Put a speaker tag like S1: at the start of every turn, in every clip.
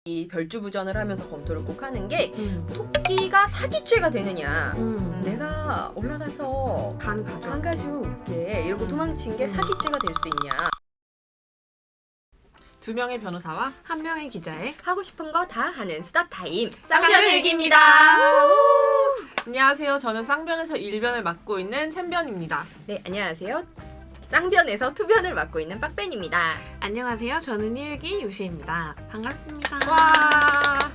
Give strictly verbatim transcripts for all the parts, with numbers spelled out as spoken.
S1: 이 별주부전을 하면서 검토를 꼭 하는 게
S2: 음.
S1: 토끼가 사기죄가 되느냐.
S2: 음.
S1: 내가 올라가서
S2: 간 가져.
S1: 간 가지고 올게 이러고 도망친 게 사기죄가 될 수 있냐.
S3: 두 명의 변호사와
S2: 한 명의 기자의
S1: 하고 싶은 거 다 하는 수다 타임
S3: 쌍변일기입니다. 안녕하세요. 저는 쌍변에서 일변을 맡고 있는 챔변입니다.
S1: 네, 안녕하세요. 쌍변에서 투변을 맡고 있는 빡벤입니다.
S2: 안녕하세요. 저는 일기 요시입니다. 반갑습니다.
S3: 와.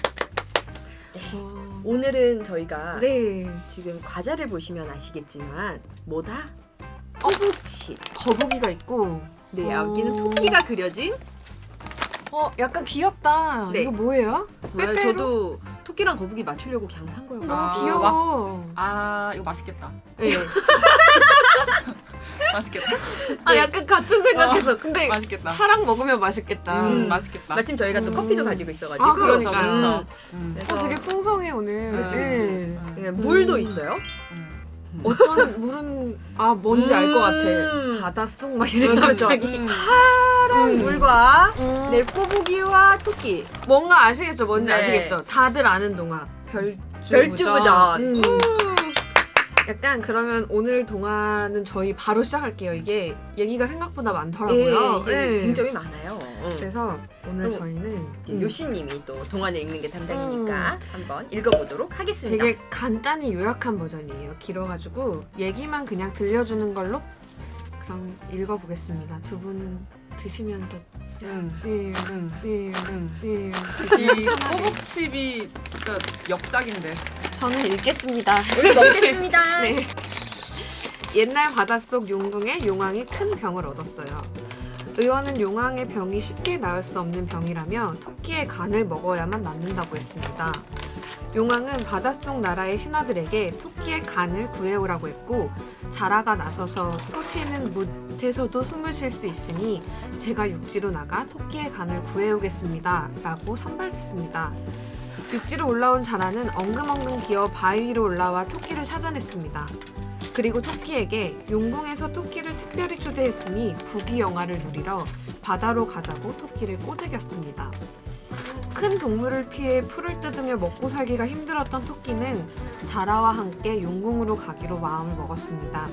S2: 어...
S1: 오늘은 저희가
S2: 네.
S1: 지금 과자를 보시면 아시겠지만 뭐다? 허벅지.
S2: 거북이가 있고.
S1: 네,
S2: 어.
S1: 여기는 토끼가 그려진.
S2: 어, 약간 귀엽다.
S1: 네.
S2: 이거 뭐예요?
S1: 뭐야,
S2: 빼빼로?
S1: 저도 토끼랑 거북이 맞추려고 그냥 산 거예요.
S2: 너무
S3: 아,
S2: 귀여워.
S3: 아 이거 맛있겠다.
S1: 네.
S3: 맛있겠다.
S2: 아, 약간 같은 생각했어. 근데
S3: 맛있겠다.
S2: 차랑 먹으면 맛있겠다.
S3: 음,
S1: 음.
S3: 맛있겠다.
S1: 마침 저희가 또
S2: 음.
S1: 커피도 가지고 있어가지고.
S2: 아,
S3: 그렇죠,
S2: 그러니까요.
S3: 그렇죠. 음.
S1: 그래서
S2: 어, 되게 풍성해 오늘.
S3: 그치,
S2: 네.
S3: 그치.
S1: 네,
S3: 음.
S1: 물도
S2: 음.
S1: 있어요.
S3: 음.
S2: 어떤 물은 아 뭔지 알 것
S1: 음.
S2: 같아. 바닷속 막 이런
S1: 음, 그렇죠.
S2: 갑자기.
S3: 음.
S1: 파란
S2: 음.
S1: 물과
S2: 음.
S1: 네, 꼬부기와 토끼.
S2: 뭔가 아시겠죠? 뭔지
S1: 네.
S2: 아시겠죠? 다들 아는 동화. 별주부전.
S1: 별주부전.
S2: 음.
S1: 우!
S2: 약간 그러면 오늘 동화는 저희 바로 시작할게요. 이게 얘기가 생각보다 많더라고요.
S1: 예, 예,
S2: 네.
S1: 쟁점이 많아요. 응.
S2: 그래서 오늘
S1: 음.
S2: 저희는
S1: 예,
S2: 음,
S1: 요시님이 또 동화를 읽는 게 담당이니까 한번 읽어보도록 하겠습니다.
S2: 되게 간단히 요약한 버전이에요. 길어가지고 얘기만 그냥 들려주는 걸로 그럼 읽어보겠습니다. 두 분은 드시면서
S3: 음.
S2: 네,
S3: 음.
S2: 네,
S3: 음.
S2: 네.
S3: 이 꼬북칩이 진짜 역작인데.
S2: 저는 읽겠습니다.
S1: 우리 먹겠습니다.
S2: 네. 옛날 바닷속 용궁에 용왕이 큰 병을 얻었어요. 의원은 용왕의 병이 쉽게 나을 수 없는 병이라며 토끼의 간을 먹어야만 낫는다고 했습니다. 용왕은 바닷속 나라의 신하들에게 토끼의 간을 구해오라고 했고 자라가 나서서 토시는 묻에서도 숨을 쉴 수 있으니 제가 육지로 나가 토끼의 간을 구해오겠습니다. 라고 선발됐습니다. 육지로 올라온 자라는 엉금엉금 기어 바위 위로 올라와 토끼를 찾아냈습니다. 그리고 토끼에게 용궁에서 토끼를 특별히 초대했으니 부귀영화를 누리러 바다로 가자고 토끼를 꼬드겼습니다. 큰 동물을 피해 풀을 뜯으며 먹고 살기가 힘들었던 토끼는 자라와 함께 용궁으로 가기로 마음을 먹었습니다.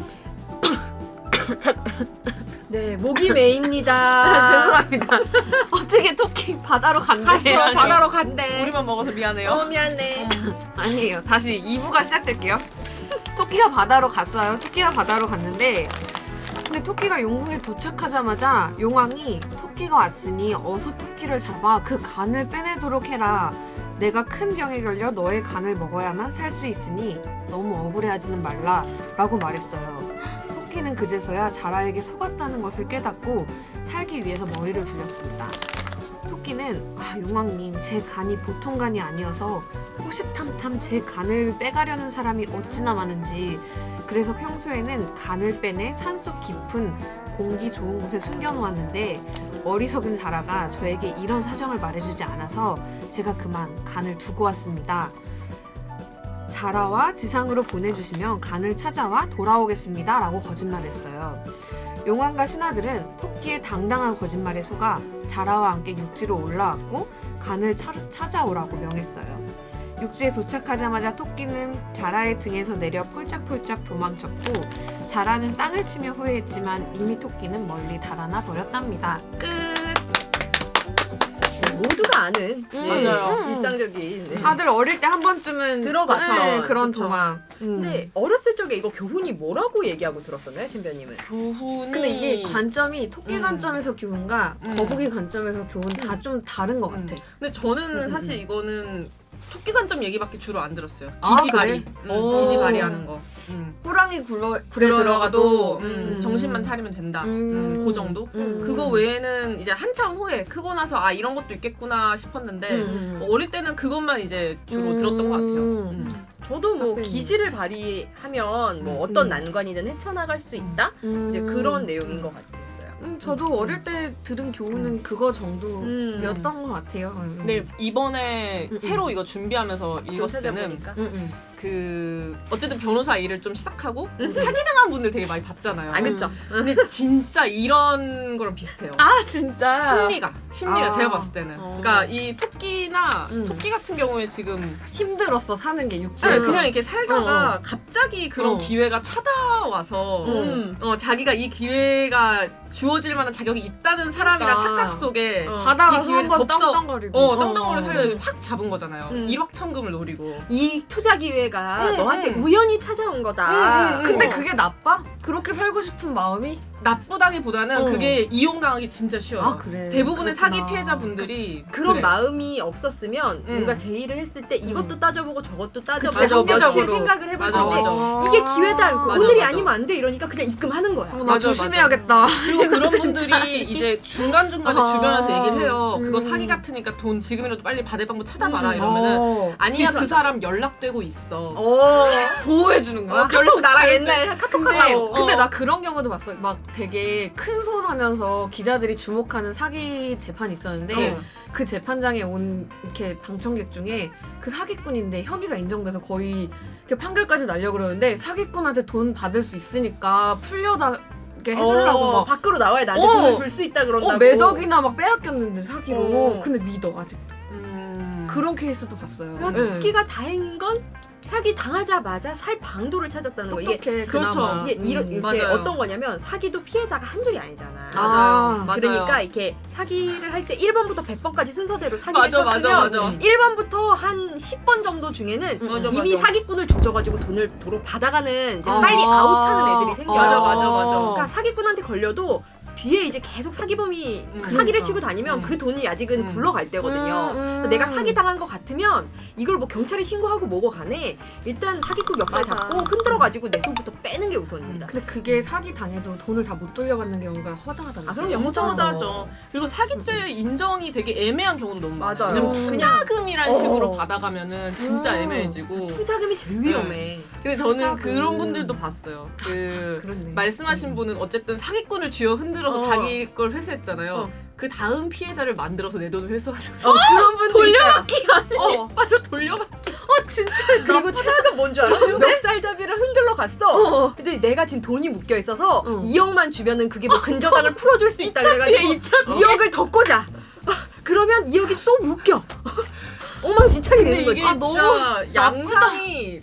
S1: 네, 목이 메입니다.
S2: 죄송합니다. 어떻게 토끼 바다로 간대?
S1: 갔어, 바다로 간대.
S3: 우리만 먹어서 미안해요.
S1: 어, 미안해.
S2: 아니에요. 다시 이 부가 시작될게요. 토끼가 바다로 갔어요. 토끼가 바다로 갔는데 근데 토끼가 용궁에 도착하자마자 용왕이 토끼가 왔으니 어서 토끼를 잡아 그 간을 빼내도록 해라. 내가 큰 병에 걸려 너의 간을 먹어야만 살 수 있으니 너무 억울해하지는 말라 라고 말했어요. 토끼는 그제서야 자라에게 속았다는 것을 깨닫고 살기 위해서 머리를 죽였습니다. 토끼는 아 용왕님 제 간이 보통 간이 아니어서 호시탐탐 제 간을 빼가려는 사람이 어찌나 많은지 그래서 평소에는 간을 빼내 산속 깊은 공기 좋은 곳에 숨겨놓았는데 어리석은 자라가 저에게 이런 사정을 말해주지 않아서 제가 그만 간을 두고 왔습니다. 자라와 지상으로 보내주시면 간을 찾아와 돌아오겠습니다 라고 거짓말했어요. 용왕과 신하들은 토끼의 당당한 거짓말에 속아 자라와 함께 육지로 올라왔고 간을 차, 찾아오라고 명했어요. 육지에 도착하자마자 토끼는 자라의 등에서 내려 폴짝폴짝 도망쳤고 자라는 땅을 치며 후회했지만 이미 토끼는 멀리 달아나 버렸답니다. 끝!
S1: 네, 모두가 아는 네,
S3: 맞아요.
S1: 일상적인. 네.
S2: 다들 어릴 때 한 번쯤은
S1: 들어봤죠.
S2: 네, 그런
S1: 그쵸.
S2: 동화. 음.
S1: 근데 어렸을 적에 이거 교훈이 뭐라고 얘기하고 들었었나요, 챔피언님은?
S3: 교훈이.
S2: 근데 이게 관점이 토끼
S3: 음.
S2: 관점에서 교훈과
S3: 음.
S2: 거북이 관점에서 교훈 다 좀 다른 것 같아.
S3: 근데 저는
S1: 음,
S3: 사실
S1: 음.
S3: 이거는 토끼 관점 얘기밖에 주로 안 들었어요.
S2: 아,
S3: 기지발이.
S2: 그래?
S3: 음,
S2: 오.
S3: 기지발이 하는 거. 음.
S2: 호랑이 굴러,
S3: 굴에
S2: 굴에
S3: 들어가도
S2: 들어가도
S3: 음,
S2: 음.
S3: 정신만 차리면 된다.
S2: 음.
S3: 음, 그 정도?
S2: 음.
S3: 그거 외에는 이제 한참 후에 크고 나서 아 이런 것도 있겠구나 싶었는데
S2: 음.
S3: 뭐 어릴 때는 그것만 이제 주로 들었던 것 같아요. 음.
S1: 저도 뭐
S2: 빡빡이.
S1: 기지를 발휘하면 뭐
S3: 음.
S1: 어떤
S2: 음.
S1: 난관이든 헤쳐나갈 수 있다?
S2: 음.
S1: 이제 그런 내용인 것 같았어요.
S2: 음, 저도 어릴 때 들은 교훈은 그거 정도였던
S1: 음.
S2: 것 같아요. 음.
S3: 근데 이번에
S2: 음, 음.
S3: 새로 이거 준비하면서 읽었을 때는
S1: 찾아보니까.
S2: 음, 음.
S3: 그 어쨌든 변호사 일을 좀 시작하고 사기당한 분들 되게 많이 봤잖아요.
S1: 아 그쵸.
S3: 근데 진짜 이런 거랑 비슷해요.
S2: 아 진짜.
S3: 심리가 심리가
S2: 아.
S3: 제가 봤을 때는
S2: 어.
S3: 그러니까 이 토끼나
S2: 음.
S3: 토끼 같은 경우에 지금
S2: 힘들었어 사는 게
S3: 네,
S2: 육지에서.
S3: 그냥 이렇게 살다가
S2: 어.
S3: 갑자기 그런
S2: 어.
S3: 기회가 찾아와서
S1: 음.
S3: 어, 자기가 이 기회가 주어질 만한 자격이 있다는 사람이란
S2: 그러니까.
S3: 착각 속에
S1: 어.
S2: 바다가서
S3: 이 기회를
S2: 한번
S3: 덥석-
S2: 땅땅거리고.
S3: 어 땅땅거리 살려 확 잡은 거잖아요.
S1: 음.
S3: 일확천금을 노리고.
S1: 이 투자 기회가
S3: 음,
S1: 너한테
S3: 음.
S1: 우연히 찾아온 거다.
S3: 음, 음,
S2: 근데
S3: 어.
S2: 그게 나빠? 그렇게 살고 싶은 마음이?
S3: 나쁘다기보다는
S2: 어.
S3: 그게 이용당하기 진짜 쉬워요.
S2: 아 그래.
S3: 대부분의
S2: 그렇구나.
S3: 사기 피해자분들이
S1: 그런
S3: 그래.
S1: 마음이 없었으면
S3: 음.
S1: 뭔가 제의를 했을 때 이것도
S3: 음.
S1: 따져보고 저것도 따져보고
S3: 그치,
S1: 며칠
S3: 합리적으로.
S1: 생각을 해볼
S3: 맞아,
S1: 텐데
S3: 맞아.
S1: 이게 기회다 알고
S3: 맞아,
S1: 오늘이
S3: 맞아.
S1: 아니면 안 돼 이러니까 그냥 입금하는 거야.
S2: 어, 나
S3: 맞아,
S2: 조심해야겠다.
S3: 그리고 그런 분들이 이제 중간중간에
S2: 아.
S3: 주변에서 얘기를 해요.
S2: 음.
S3: 그거 사기 같으니까 돈 지금이라도 빨리 받을 방법 찾아봐라
S1: 음.
S3: 이러면은
S2: 어.
S3: 아니야 그
S1: 질투한다.
S3: 사람 연락되고 있어.
S1: 어.
S2: 보호해주는 거야?
S1: 어, 카톡 나랑
S3: 잘
S1: 옛날 카톡
S2: 근데,
S1: 하고.
S2: 근데
S3: 어.
S2: 나 그런 경우도 봤어. 막 되게 큰 손 하면서 기자들이 주목하는 사기 재판이 있었는데
S3: 어.
S2: 그 재판장에 온 이렇게 방청객 중에 그 사기꾼인데 혐의가 인정돼서 거의 이렇게 판결까지 날려 그러는데 사기꾼한테 돈 받을 수 있으니까 풀려다 이렇게 해주려고
S1: 어,
S2: 막
S1: 밖으로 나와야 나한테
S2: 어.
S1: 돈을 줄 수 있다 그런다고.
S2: 어, 매덕이나 막 빼앗겼는데 사기로.
S1: 어.
S2: 근데 믿어 아직도.
S3: 음.
S2: 그런 케이스도 봤어요.
S1: 그러니까
S2: 네.
S1: 토끼가 다행인 건 사기 당하자마자 살 방도를 찾았다는 거. 이게
S2: 똑똑해.
S3: 그렇죠.
S2: 그나마.
S1: 이게 이런
S2: 음.
S1: 이게
S3: 맞아요.
S1: 어떤 거냐면 사기도 피해자가 한둘이 아니잖아.
S2: 아,
S3: 맞아요. 맞아요.
S1: 그러니까 이렇게 사기를 할 때 일 번부터 백 번까지 순서대로 사기를
S3: 맞아, 맞아,
S1: 쳤으면
S3: 맞아.
S1: 일 번부터 한 십 번 정도 중에는
S3: 맞아,
S1: 이미
S3: 맞아.
S1: 사기꾼을 조져가지고 돈을 도로 받아가는 이제
S2: 아.
S1: 빨리 아웃하는 애들이 생겨.
S3: 맞아, 맞아, 맞아.
S1: 그러니까 사기꾼한테 걸려도 뒤에 이제 계속 사기범이
S3: 음.
S1: 사기를
S2: 그러니까.
S1: 치고 다니면
S3: 음.
S1: 그 돈이 아직은
S3: 음.
S1: 굴러갈 때거든요.
S2: 음, 음.
S1: 그래서 내가 사기 당한 것 같으면 이걸 뭐 경찰에 신고하고 뭐고 간에 일단 사기꾼 멱살
S2: 맞아.
S1: 잡고 흔들어가지고 내 돈부터 빼는 게 우선입니다.
S2: 근데 그게 사기 당해도 돈을 다 못 돌려받는 경우가 허다하다면서요?
S1: 아, 그럼요.
S3: 엄청
S1: 맞아.
S3: 하죠. 그리고 사기죄 인정이 되게 애매한 경우도 너무 많아요.
S1: 맞아요.
S3: 왜냐면
S2: 음.
S3: 투자금이란
S1: 어.
S3: 식으로 받아가면은 진짜
S2: 음.
S3: 애매해지고.
S1: 투자금이 제일 위험해.
S3: 근데 저는
S2: 투자금.
S3: 그런 분들도 봤어요. 그
S2: 그렇네.
S3: 말씀하신 분은 어쨌든 사기꾼을 쥐어 흔들어서
S1: 어.
S3: 자기 걸 회수했잖아요.
S1: 어.
S3: 그 다음 피해자를 만들어서 내 돈을 회수하는.
S1: 어, 그런 분도 돌려받기
S3: 어, 맞아 돌려받기.
S2: 어 진짜
S1: 그리고 최악은 뭔 줄 알아? 멱살잡이를 흔들러 갔어.
S2: 어.
S1: 근데 내가 지금 돈이 묶여 있어서
S2: 어.
S1: 이억만 주면은 그게 뭐 근저당을 풀어줄 수 있다 그래가지고
S2: 이 차 피해.
S1: 이억을 더 꽂아. 그러면 이억이 또 묶여. 엉망진창이
S3: 근데
S1: 되는 거지.
S3: 이게
S2: 아, 너무
S3: 진짜 양상이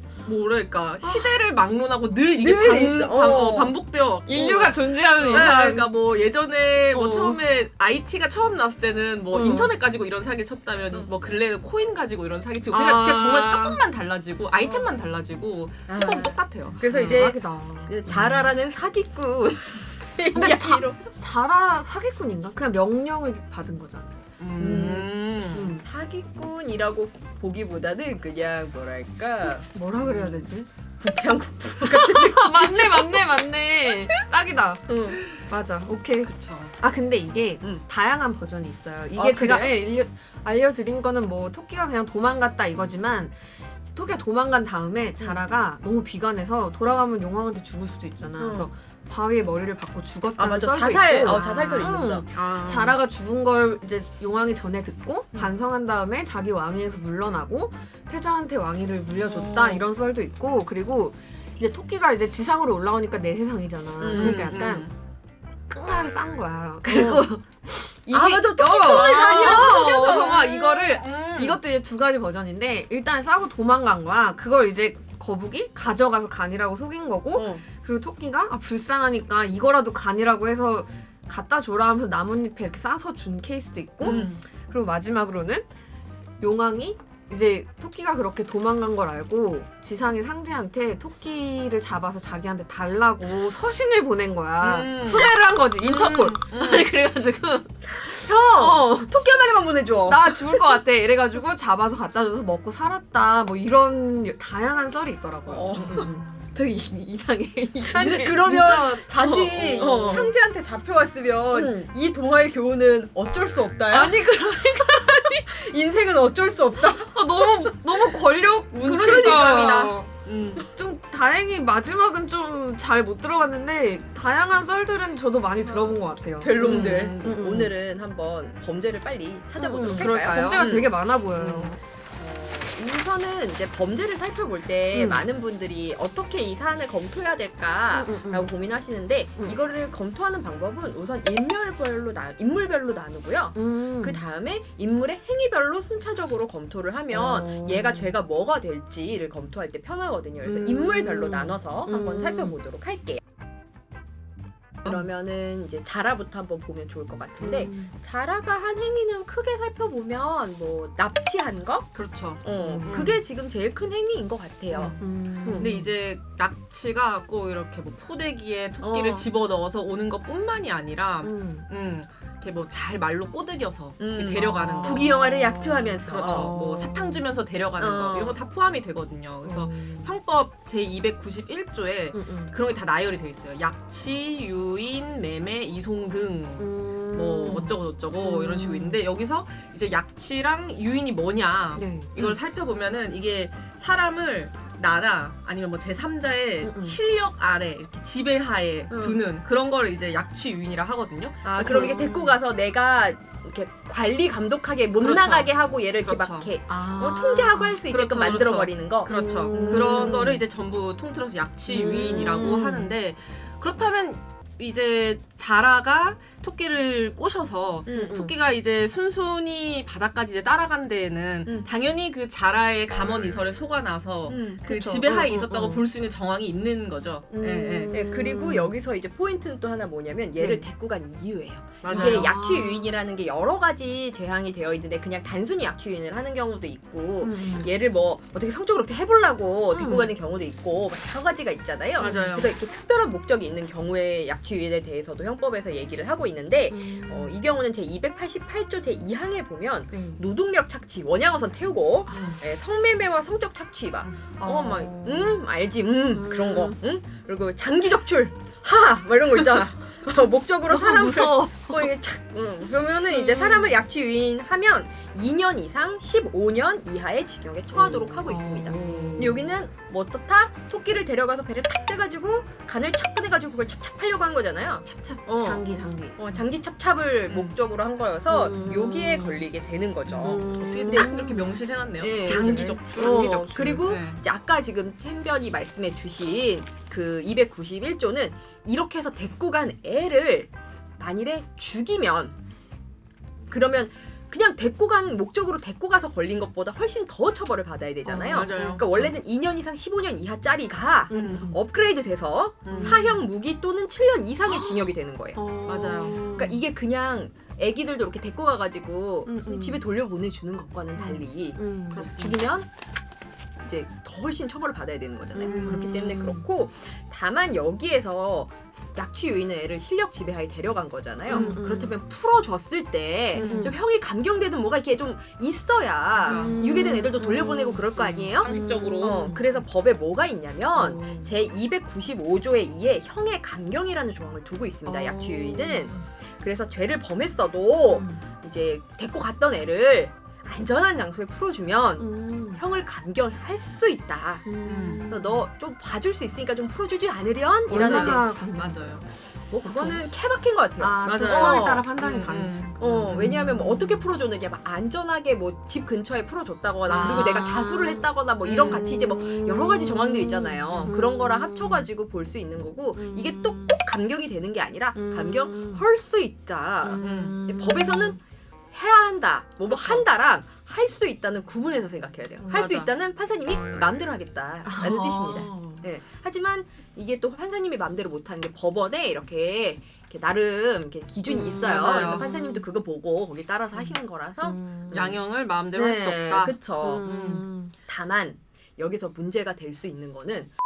S3: 뭐랄까 시대를 막론하고 늘 이게
S1: 늘
S3: 반,
S1: 있어.
S3: 반,
S1: 어.
S3: 어, 반복되어 왔고.
S2: 인류가 존재하는
S3: 네,
S2: 이상.
S3: 그러니까 뭐 예전에 뭐
S2: 어.
S3: 처음에 아이티가 처음 나왔을 때는 뭐
S2: 어.
S3: 인터넷 가지고 이런 사기를 쳤다면
S2: 어.
S3: 뭐 근래에는 코인 가지고 이런 사기 치고 그러니까
S2: 아.
S3: 그냥 정말 조금만 달라지고 아이템만 달라지고
S1: 아.
S3: 시범 똑같아요.
S1: 그래서 이제
S2: 대박이다.
S1: 자라라는 사기꾼.
S2: 근데 자-
S1: 이야기로.
S2: 자라 사기꾼인가? 그냥 명령을 받은 거잖아요.
S3: 음.
S2: 음.
S1: 사기꾼이라고 보기보다는 그냥 뭐랄까
S2: 뭐라 그래야 되지?
S1: 부패한 국부.
S2: 아, 맞네 맞네 맞네. 딱이다.
S1: 응.
S2: 맞아. 오케이.
S3: 그쵸.
S2: 아 근데 이게
S1: 음.
S2: 다양한 버전이 있어요. 이게
S1: 아,
S2: 제가
S1: 그래요?
S2: 예, 일려, 알려드린 거는 뭐 토끼가 그냥 도망갔다 이거지만 토끼가 도망간 다음에 자라가 너무 비관해서 돌아가면 용왕한테 죽을 수도 있잖아.
S1: 음.
S2: 그래서 바위에 머리를 박고 죽었다는
S1: 아 맞아
S2: 썰도
S1: 자살.
S2: 있고.
S1: 어 자살설이
S2: 음.
S1: 있었어.
S3: 아.
S2: 자라가 죽은 걸 이제 용왕이 전에 듣고
S1: 음.
S2: 반성한 다음에 자기 왕위에서 물러나고 태자한테 왕위를 물려줬다
S1: 어.
S2: 이런 썰도 있고 그리고 이제 토끼가 이제 지상으로 올라오니까 내 세상이잖아. 그러니까 약간
S3: 음.
S2: 끙가를 싼 거야. 그리고 이게
S1: 아 맞아 토끼
S2: 어,
S1: 똥을 다니라고
S2: 어,
S1: 속여서.
S2: 그래서 막 이거를
S3: 음.
S2: 이것도 이제 두 가지 버전인데 일단 싸고 도망간 거야. 그걸 이제 거북이 가져가서 간이라고 속인 거고
S1: 어.
S2: 그리고 토끼가 아 불쌍하니까 이거라도 간이라고 해서 갖다 줘라 하면서 나뭇잎에 이렇게 싸서 준 케이스도 있고
S1: 음.
S2: 그리고 마지막으로는 용왕이 이제 토끼가 그렇게 도망간 걸 알고 지상의 상제한테 토끼를 잡아서 자기한테 달라고 서신을 보낸 거야.
S3: 음.
S2: 수배를 한 거지 인터폴.
S3: 음. 음.
S2: 그래가지고
S1: 형
S2: 어.
S1: 토끼 한 마리만 보내줘.
S2: 나 죽을 것 같아. 이래가지고 잡아서 갖다 줘서 먹고 살았다. 뭐 이런 다양한 썰이 있더라고요.
S1: 어.
S2: 음, 음. 되게 이- 이상해.
S1: 근데
S2: 이상해.
S1: 그러면 다시
S2: 어, 어.
S1: 상제한테 잡혀왔으면
S2: 응.
S1: 이 동화의 교훈은 어쩔 수 없다야.
S2: 아니 그
S1: 인생은 어쩔 수 없다.
S2: 아, 너무 너무 권력
S3: 운치감이다.
S2: 그러니까
S3: 음.
S2: 좀 다행히 마지막은 좀 잘 못 들어봤는데 다양한 썰들은 저도 많이 들어본 것 같아요.
S1: 될 놈들.
S3: 음,
S2: 음, 음.
S1: 오늘은 한번 범죄를 빨리 찾아보도록
S2: 음,
S1: 할까요?
S3: 그럴까요?
S2: 범죄가
S3: 음.
S2: 되게 많아 보여요.
S3: 음.
S1: 우선은 이제 범죄를 살펴볼 때
S2: 음.
S1: 많은 분들이 어떻게 이 사안을 검토해야 될까라고
S2: 음, 음, 음.
S1: 고민하시는데
S2: 음.
S1: 이거를 검토하는 방법은 우선 인물별로 나 인물별로 나누고요.
S2: 음.
S1: 그 다음에 인물의 행위별로 순차적으로 검토를 하면
S2: 어.
S1: 얘가 죄가 뭐가 될지를 검토할 때 편하거든요. 그래서
S2: 음.
S1: 인물별로 나눠서 한번
S2: 음.
S1: 살펴보도록 할게요. 그러면은 이제 자라부터 한번 보면 좋을 것 같은데
S2: 음.
S1: 자라가 한 행위는 크게 살펴보면 뭐 납치한 거?
S3: 그렇죠.
S1: 어,
S2: 음.
S1: 그게 지금 제일 큰 행위인 것 같아요.
S2: 음.
S3: 근데 이제 납치가 꼭 이렇게 뭐 포대기에 토끼를
S1: 어.
S3: 집어 넣어서 오는 것뿐만이 아니라,
S2: 음.
S3: 음, 이렇게 뭐 잘 말로 꼬드겨서
S1: 음.
S3: 데려가는
S2: 아.
S3: 거.
S1: 부귀 영화를 약조하면서
S3: 그렇죠.
S1: 어.
S3: 뭐 사탕 주면서 데려가는
S1: 어.
S3: 거 이런 거 다 포함이 되거든요. 그래서
S2: 음.
S3: 형법 제이백구십일 조에
S2: 음, 음.
S3: 그런 게 다 나열이 돼 있어요. 약취, 유인, 매매, 이송 등.
S2: 음.
S3: 뭐 어쩌고 저쩌고
S2: 음.
S3: 이런 식으로 있는데 여기서 이제 약취랑 유인이 뭐냐
S2: 네.
S3: 이걸 살펴보면은 이게 사람을 나라 아니면 뭐 제삼자의
S2: 음, 음.
S3: 실력 아래 이렇게 지배하에
S1: 음.
S3: 두는 그런 거를 이제 약취 유인이라 하거든요.
S1: 아 그럼 이게 데리고 가서 내가 이렇게 관리 감독하게 못
S3: 그렇죠.
S1: 나가게 하고 얘를 이렇게
S3: 그렇죠.
S1: 막 이렇게
S2: 아.
S1: 어, 통제하고 할 수 있게끔
S3: 그렇죠,
S1: 만들어
S3: 그렇죠.
S1: 버리는 거.
S3: 그렇죠.
S2: 음.
S3: 그런 거를 이제 전부 통틀어서 약취
S2: 음.
S3: 유인이라고 하는데 그렇다면 이제 자라가 토끼를 꼬셔서
S1: 음, 음.
S3: 토끼가 이제 순순히 바다까지 이제 따라간 데에는
S1: 음.
S3: 당연히 그 자라의 감언 이설에 속아나서
S1: 음,
S3: 그
S1: 그쵸.
S3: 지배하에
S2: 음, 음,
S3: 있었다고
S2: 음.
S3: 볼 수 있는 정황이 있는 거죠.
S2: 음.
S3: 예, 예.
S1: 네, 그리고 여기서 이제 포인트는 또 하나 뭐냐면 얘를
S3: 네.
S1: 데리고 간 이유예요.
S3: 맞아요.
S1: 이게 약취 유인이라는 게 여러 가지 죄항이 되어 있는데 그냥 단순히 약취 유인을 하는 경우도 있고
S2: 음.
S1: 얘를 뭐 어떻게 성적으로 어떻게 해보려고 데리고
S2: 음.
S1: 가는 경우도 있고 막 여러 가지가 있잖아요.
S3: 맞아요.
S1: 그래서 이렇게 특별한 목적이 있는 경우에 약취 유인에 대해서도 형법에서 얘기를 하고 있는데
S2: 음.
S1: 어, 이 경우는 제이백팔십팔 조 제이 항에 보면
S2: 네.
S1: 노동력 착취, 원양어선 태우고
S2: 아.
S1: 예, 성매매와 성적 착취 막 어, 막,
S2: 어.
S1: 음, 알지, 음,
S2: 음.
S1: 그런 거, 응? 그리고 장기 적출, 하, 막 이런 거 있잖아. 어, 목적으로
S2: 너무
S1: 사람을,
S2: 무서워.
S1: 어, 이게 착, 응. 그러면은 이제 사람을 약취 유인하면 이 년 이상 십오 년 이하의 징역에 처하도록 하고 있습니다. 근데 여기는 뭐 어떻다? 토끼를 데려가서 배를 탁 떼가지고 간을 척 꺼내가지고 그걸 찹찹하려고 한 거잖아요.
S2: 찹찹.
S1: 어.
S2: 장기 장기.
S1: 어, 장기 찹찹을
S3: 음.
S1: 목적으로 한 거여서
S2: 음.
S1: 여기에 걸리게 되는 거죠.
S3: 어떻게
S2: 음.
S3: 딱 이렇게 명시를 해놨네요.
S1: 예.
S3: 장기 적출.
S1: 어,
S3: 장기 적출.
S1: 그리고
S3: 네.
S1: 이제 아까 지금 챔변이 말씀해 주신 그 이백구십일 조는 이렇게 해서 데리고 간 애를 만일에 죽이면 그러면 그냥 데리고 간 목적으로 데리고 가서 걸린 것보다 훨씬 더 처벌을 받아야 되잖아요.
S3: 어, 맞아요.
S1: 그러니까 원래는 이 년 이상 십오 년 이하짜리가
S2: 음.
S1: 업그레이드 돼서
S3: 음.
S1: 사형 무기 또는 칠 년 이상의 징역이 되는 거예요.
S2: 어.
S3: 맞아요.
S1: 그러니까 이게 그냥 애기들도 이렇게 데리고 가가지고
S2: 음, 음.
S1: 집에 돌려보내주는 것과는 달리
S2: 음.
S3: 그렇습니다.
S1: 죽이면 이제 더 훨씬 처벌을 받아야 되는 거잖아요.
S2: 음.
S1: 그렇기 때문에 그렇고 다만 여기에서 약취 유인은 애를 실력 지배하에 데려간 거잖아요.
S2: 음, 음.
S1: 그렇다면 풀어줬을 때 좀
S2: 음.
S1: 형이 감경되든 뭐가 이렇게 좀 있어야
S3: 음.
S1: 유괴된 애들도 돌려보내고 그럴 거 아니에요?
S3: 상식적으로.
S1: 어, 그래서 법에 뭐가 있냐면
S2: 음.
S1: 제이백구십오 조의 이에 형의 감경이라는 조항을 두고 있습니다. 약취 유인은. 그래서 죄를 범했어도
S2: 음.
S1: 이제 데리고 갔던 애를 안전한 장소에 풀어주면
S2: 음.
S1: 형을 감경할 수 있다.
S2: 음.
S1: 너 좀 봐줄 수 있으니까 좀 풀어주지 않으련? 이라는 이제
S2: 얼마나 감기-
S3: 맞아요.
S1: 뭐 그거는 케바케인 것 같아요.
S2: 아, 그
S3: 맞아요.
S2: 상황에
S1: 어.
S2: 따라 판단이
S3: 음,
S2: 다르니까.
S1: 어 왜냐하면 뭐 어떻게 풀어줬느냐 막 안전하게 뭐 집 근처에 풀어줬다거나
S2: 아.
S1: 그리고 내가 자수를 했다거나 뭐 이런
S3: 음.
S1: 같이 이제 뭐 여러 가지 정황들 있잖아요.
S2: 음.
S1: 그런 거랑 합쳐가지고 볼 수 있는 거고
S2: 음.
S1: 이게 또 꼭 감경이 되는 게 아니라
S2: 음.
S1: 감경할 수 있다.
S2: 음.
S1: 법에서는 해야 한다, 뭐 뭐
S3: 그렇죠.
S1: 한다랑 할 수 있다는 구분해서 생각해야 돼요. 할 수
S3: 맞아.
S1: 있다는 판사님이 마음대로 하겠다라는
S2: 아.
S1: 뜻입니다. 예. 하지만 이게 또 판사님이 마음대로 못하는 게 법원에 이렇게, 이렇게 나름 이렇게 기준이
S2: 음,
S1: 있어요.
S3: 맞아요.
S1: 그래서 판사님도 그거 보고 거기 따라서 하시는 거라서
S2: 음.
S3: 양형을 마음대로 할 수
S1: 네,
S3: 없다.
S1: 그쵸.
S2: 음.
S1: 다만 여기서 문제가 될 수 있는 거는